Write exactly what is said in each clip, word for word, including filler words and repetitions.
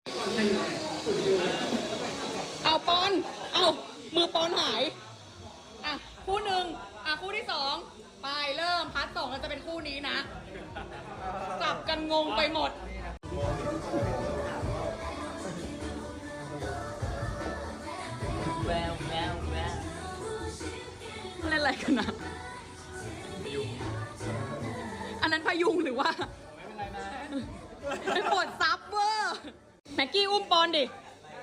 เอาปอนเอามือปอนหายอ่ะคู่หนึ่งอ่ะคู่ที่สองไปเริ่มพาร์ทสองเราจะเป็นคู่นี้นะจับกันงงไปหมดแววแววแววเล่นอะไรกันนะอันนั้นพยุงหรือว่าไม่ปวดซับเวอร์แม็กกี้อุ้มปอนดิ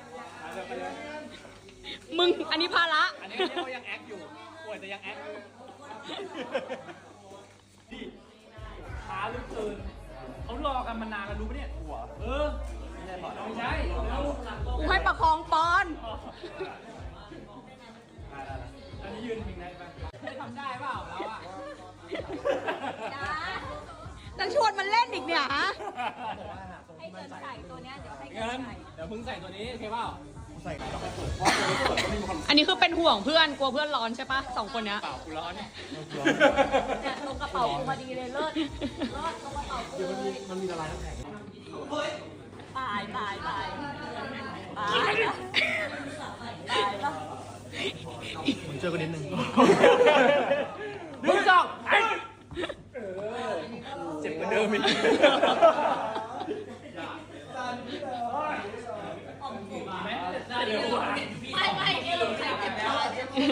มึงอันนี้ภาระอันนี้เขายังแอคอยู่ป่วยแต่ยังแอคอยู่ดิช้าลึกเกินเขารอกันมานานแล้วรู้ปะเนี่ยหัวเออไม่ใช่ไม่ใช่แล้วกูให้ประคองปอนอันนี้ยืนพิงได้ปะทำได้เปล่าแล้วอ่ะจะชวนมันเล่นอีกเนี่ยฮะให้เกินใส่ตัวเนี้ยเดี๋ยวให้เกิเงินนใส่เดี๋ยวมึงใส่ตัวนี้โอเคเปล่าอันนี้คือเป็นห่วงเพื่อนกลัวเพื่อนร้อนใช่ปะสองคนเนี้ยเปล่ากูร้อนเนี่ยเนี่ยตรงกระเป๋ากูพอดีเลยเลิศเลิศตรงกระเป๋ากูเลยมันมีละลายน้ำแข็งตายตายตายตายแล้วตายแล้วมึงเจอกันนิดนึงมึงสองไอ้เจ็บกว่าเดิมอีกไม่ไม่เนี่ยลงใส่เจ็บคอเจ็บคอ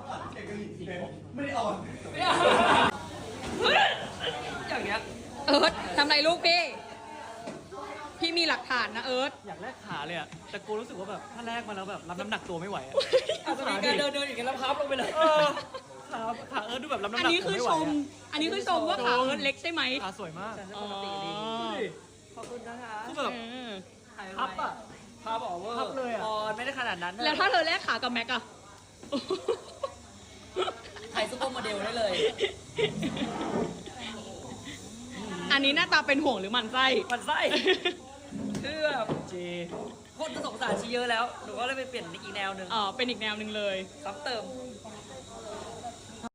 อย่างเงี้ยเอิร์ธทำไรลูกพี่ พี่มีหลักฐานนะเอิร์ธอยากแลกขาเลยอะแต่กูรู้สึกว่าแบบถ้าแลกมาแล้วแบบรับน้ำหนักตัวไม่ไหวอะอาจจะมีการเดินเดินอย่างเงี้ยแล้วพับลงไปเลยเออขาขาเอิร์ธดูแบบรับน้ำหอันนักนี้ตัวคือไม่ชไหวมอะอันนี้คือชมว่าขาเอิร์ธเล็กใช่ไหมขาสวยมากอ๋อขอบคุณนะคะคือแบบเออพับอะพาบอกว่าพับเลยอะอ๋อไม่ได้ขนาดนั้นแล้วถ้าเธอแลกขากับแม็กอะถ่ายซุปเปอร์โมเดลได้เลยอันนี้หน้าตาเป็นห่วงหรือหมันไส้มันไส้คือแบบเจคนจะสงสารชีเยอะแล้วหนูก็เลยไปเปลี่ยนอีกแนวหนึ่งอ๋อเป็นอีกแนวหนึ่งเลยซ้ำเติม